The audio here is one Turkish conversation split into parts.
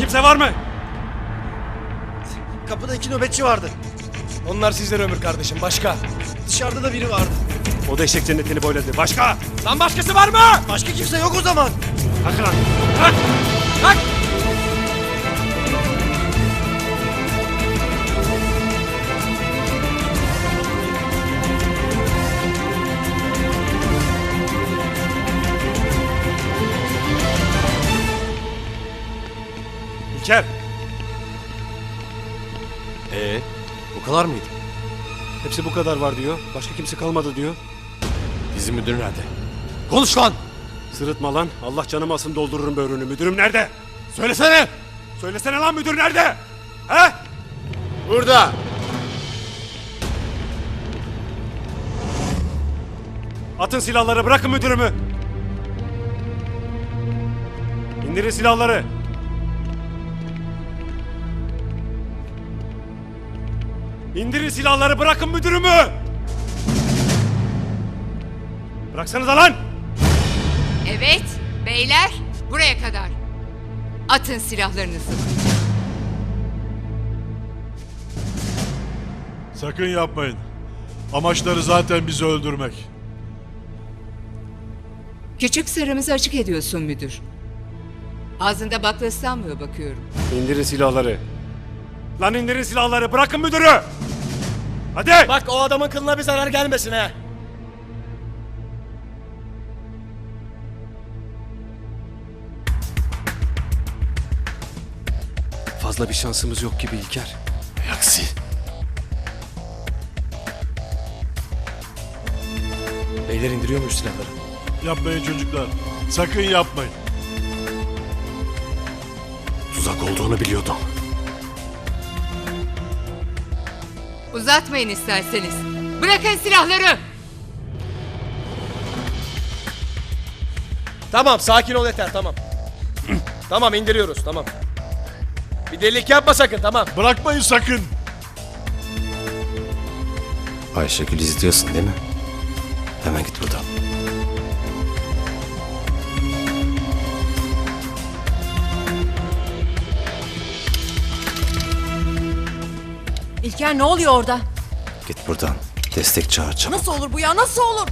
Kimse var mı? Kapıda 2 nöbetçi vardı. Onlar sizden ömür kardeşim. Başka? Dışarıda da biri vardı. O da eşek cennetini boyladı. Başka? Lan başkası var mı? Başka kimse yok o zaman. Kalk lan. Kalk. Kalk! İlker. Bu kadar mıydı? Hepsi bu kadar var diyor. Başka kimse kalmadı diyor. Bizim müdür nerede? Konuş lan! Sırıtma lan. Allah canımı alsın doldururum böğrünü. Müdürüm nerede? Söylesene! Söylesene lan müdür nerede? He? Burada! Atın silahları, bırakın müdürümü. İndirin silahları. İndirin silahları, bırakın müdürümü. Bıraksanıza lan. Evet, beyler buraya kadar. Atın silahlarınızı. Sakın yapmayın. Amaçları zaten bizi öldürmek. Küçük sırrımızı açık ediyorsun müdür. Ağzında bakla ıslanmıyor bakıyorum. İndirin silahları. Lan indirin silahları, bırakın müdürü. Hadi. Bak o adamın kılına bir zarar gelmesin ha. Fazla bir şansımız yok gibi İlker. Aksi. Beyler indiriyor muyuz silahları? Yapmayın çocuklar. Sakın yapmayın. Tuzak olduğunu biliyordum. Uzatmayın isterseniz. Bırakın silahları. Tamam sakin ol yeter tamam. Tamam indiriyoruz tamam. Bir delilik yapma sakın tamam. Bırakmayın sakın. Ayşegül izliyorsun değil mi? Hemen git buradan. İlker ne oluyor orada? Git buradan. Destek çağıracağım. Nasıl olur bu ya? Nasıl olur?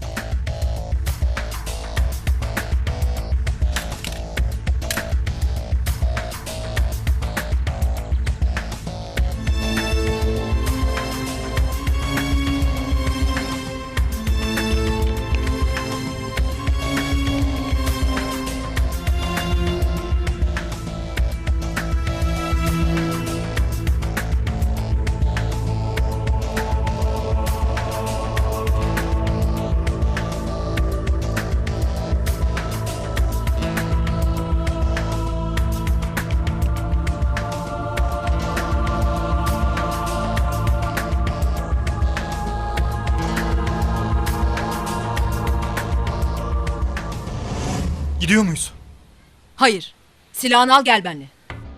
Gidiyor muyuz? Hayır. Silahını al gel benimle.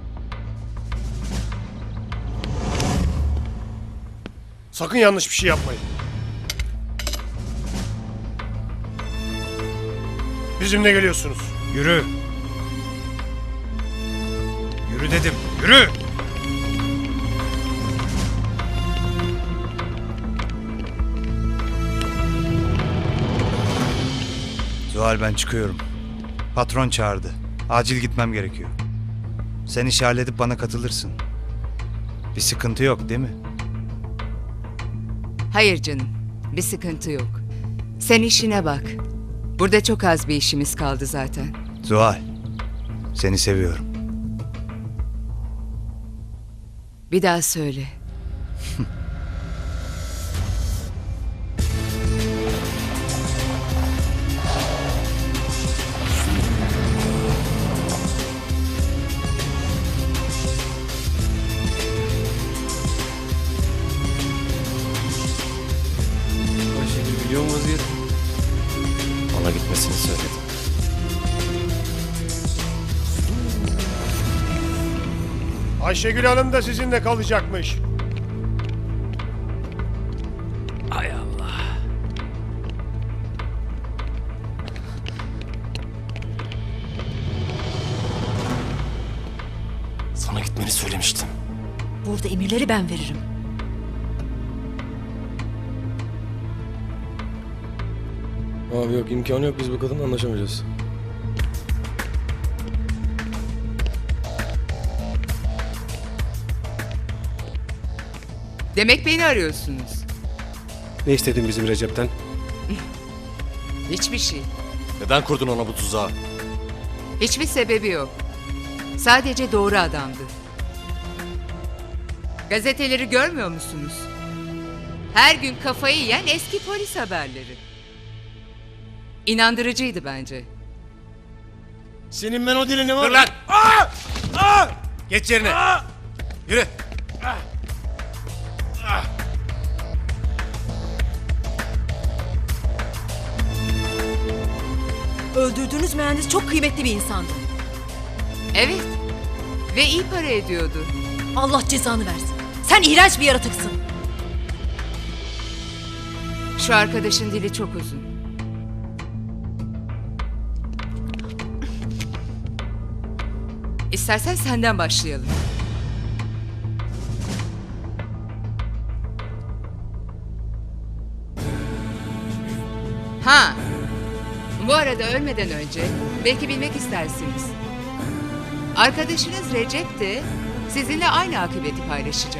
Sakın yanlış bir şey yapmayın. Bizimle geliyorsunuz. Yürü. Yürü dedim. Yürü. Zuhal ben çıkıyorum. Patron çağırdı. Acil gitmem gerekiyor. Sen işi halledip bana katılırsın. Bir sıkıntı yok değil mi? Hayır canım, bir sıkıntı yok. Sen işine bak. Burada çok az bir işimiz kaldı zaten. Zuhal, seni seviyorum. Bir daha söyle. Ayşegül biliyor mu vaziyeti? Ona gitmesini söyledim. Ayşegül Hanım da sizinle kalacakmış. Hay Allah. söylemiştim. Burada emirleri ben veririm. Abi yok, imkanı yok, biz bu kadınla anlaşamayacağız. Demek beni arıyorsunuz. Ne istedin bizim Recep'ten? Hiçbir şey. Neden kurdun ona bu tuzağı? Hiçbir sebebi yok. Sadece doğru adamdı. Gazeteleri görmüyor musunuz? Her gün kafayı yiyen eski polis haberleri. İnandırıcıydı bence. Senin ben o dilini var. Dur lan! Geç yerine. Yürü. Öldürdüğünüz mühendis çok kıymetli bir insandı. Evet. Ve iyi para ediyordu. Allah cezanı versin. Sen iğrenç bir yaratıksın. Şu arkadaşın dili çok uzun. İstersen senden başlayalım. Ha. Bu arada ölmeden önce belki bilmek istersiniz. Arkadaşınız Recep de sizinle aynı akıbeti paylaşacak.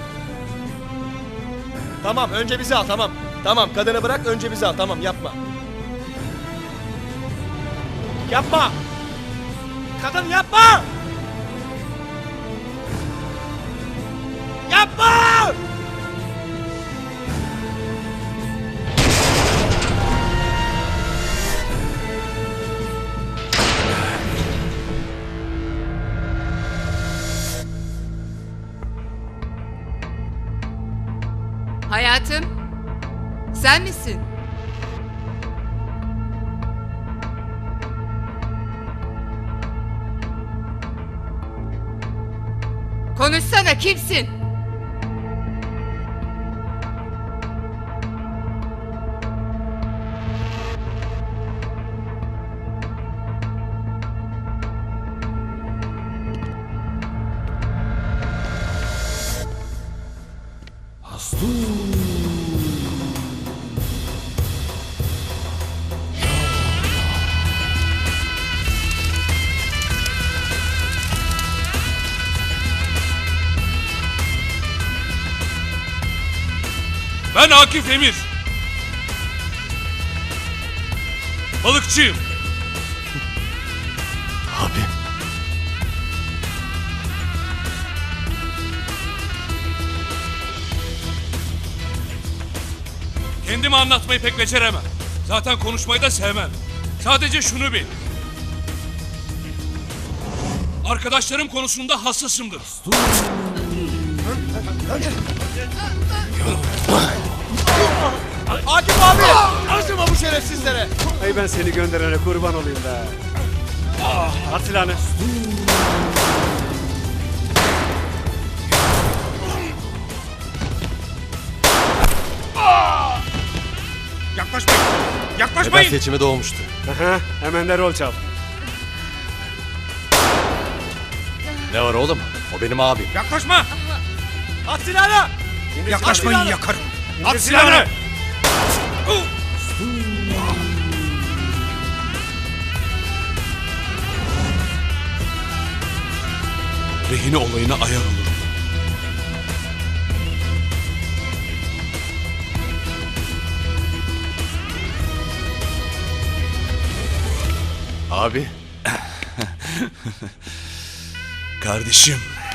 Tamam, önce bizi al, tamam. Tamam, kadını bırak, önce bizi al, tamam, yapma. Yapma! Kadın yapma! Yapma! Hayatım, sen misin? Konuşsana, kimsin? Ben Akif Emir. Balıkçıyım. Abi. Kendimi anlatmayı pek beceremem. Zaten konuşmayı da sevmem. Sadece şunu bil. Arkadaşlarım konusunda hassasımdır. Akif abi! Acıma bu şerefsizlere! Ay ben seni gönderene kurban olayım be. At silahını. Yaklaşmayın. Neden Yaklaşmayın. seçime doğmuştu? Hemen de rol çal. Ne var oğlum? O benim abim. Yaklaşma. At silahını! Yaklaşmayın, yakarım. At silahını. Rehine olayına ayar olurum. Abi. Kardeşim.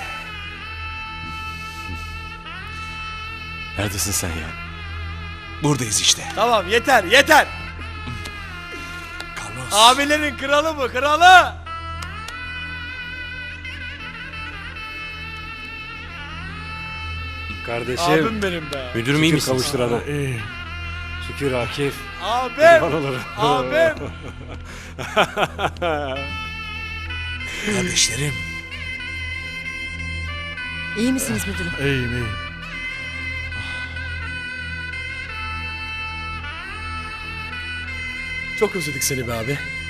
Neredesin sen ya? Buradayız işte. Tamam, yeter, yeter! Carlos. Abilerin kralı bu, kralı! Kardeşim. Abim benim be. Müdürüm iyi Şükür misin? kavuşturana. Şükür Akif. Abim! Kurban olurum. Abim! Kardeşlerim. İyi misiniz müdürüm? İyiyim iyiyim. Çok özledik seni be abi.